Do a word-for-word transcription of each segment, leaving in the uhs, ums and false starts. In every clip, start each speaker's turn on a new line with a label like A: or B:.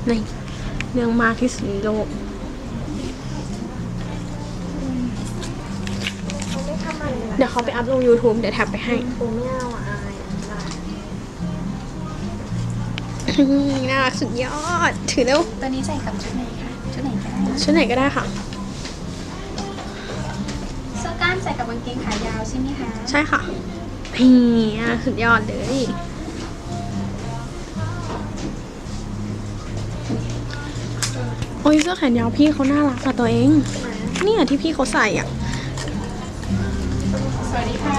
A: นี่เรื่องมากที่สุดในโลกเดี๋ยวเขาไปอัพลง YouTube เดี๋ยวแท็บไปให้
B: กูไม่เอาอ่ะอาย
A: น่ารักสุดยอดถือเร็ว
B: ตัวนี้ใส่กับชุดไหนคะชุดไหนก็ได้
A: ชุดไหนก็ได้ค่ะ
B: เสื้อกล้ามใส่กับกางเกงขายาวใช่ไหมคะ
A: ใช่ค่ะนี่น่ารักสุดยอดเลยโอ้ยเสื้อแขนยาวพี่เขาน่ารักอะตัวเองเนี่ยที่พี่เขาใส่อ่ะ
B: สวัสดีค่ะ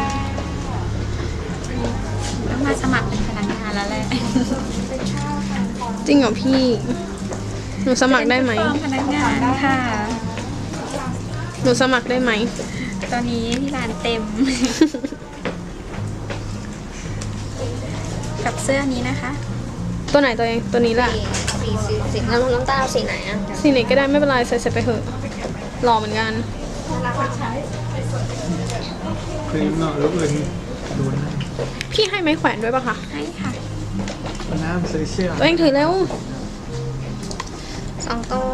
B: ต้องมาสมัครเป็นพนักงานแล้วแหละ
A: จริงเหรอพี่หนูสมัครได้ไหม
B: พนักงานค่ะ
A: หนูสมัครได้ไหม
B: ตอนนี้ที่ร้านเต็ม กับเสื้อนี้นะคะ
A: ตัวไหนตัวเองตัวนี้แหละ
B: สีสีสีน้ำน้ำตาลสีไหนอ่ะ
A: สีไหนก็ได้ไม่เป็นไรใส่ใส่ไปเถอะหล่อเหมือนกัน
C: ครีมเนาะลูกอื่นดูนะ
A: พี่ให้ไม้แขวนด้วยปะคะ
B: ให้ค่ะ
C: น้ำซื้อเสื้อ
A: ตัวเองถือแล้ว
B: สองตัว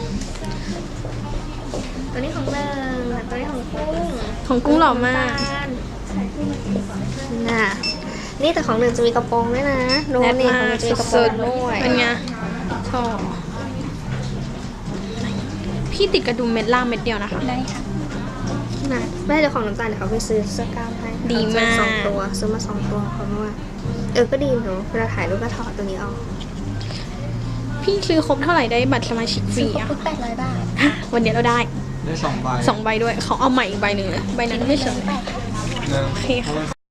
B: ตัวนี้ของเนิงตัวนี้ของกุ้ง
A: ของกุ้งหล่อมาก
B: น่ะนี่แต่ของหนึ่งจะมีกระโปรงด้วยนะดู
A: แนท
B: นี่
A: มา
B: ของหนึ่งจะมีกระโปร
A: สุ
B: ง
A: ด
B: ด้วย
A: ๆเป็นไงชอบพี่ติดกระดุมเม็ดล่างเม็ดเดียวนะคะ
B: ได้ค่ะน่ะแม่เจ้าของน้ำตาลเดี๋ยวเขาไปซื้อเสื้อกล้ามให้
A: ดีมาก
B: สองตัวซื้อมาสองตัวเขาบอกว่าเออก็ดีเนอะเวลาถ่ายรูปก็ถอดตัวนี้ออก
A: พี่ซื้อครบเท่าไหร่ได้บัตรสมาชิกฟรีอะ
B: ปุ๊บแปดร้อยบาท
A: อ่ะวันเดียวเราได้
C: ได้สองใบ
A: สองใบด้วยเขาเอาใหม่อีกใบหนึ่งเลยใบนั้นไม่สวย
B: แปด
C: หนึ่ง
A: โอเคค่ะ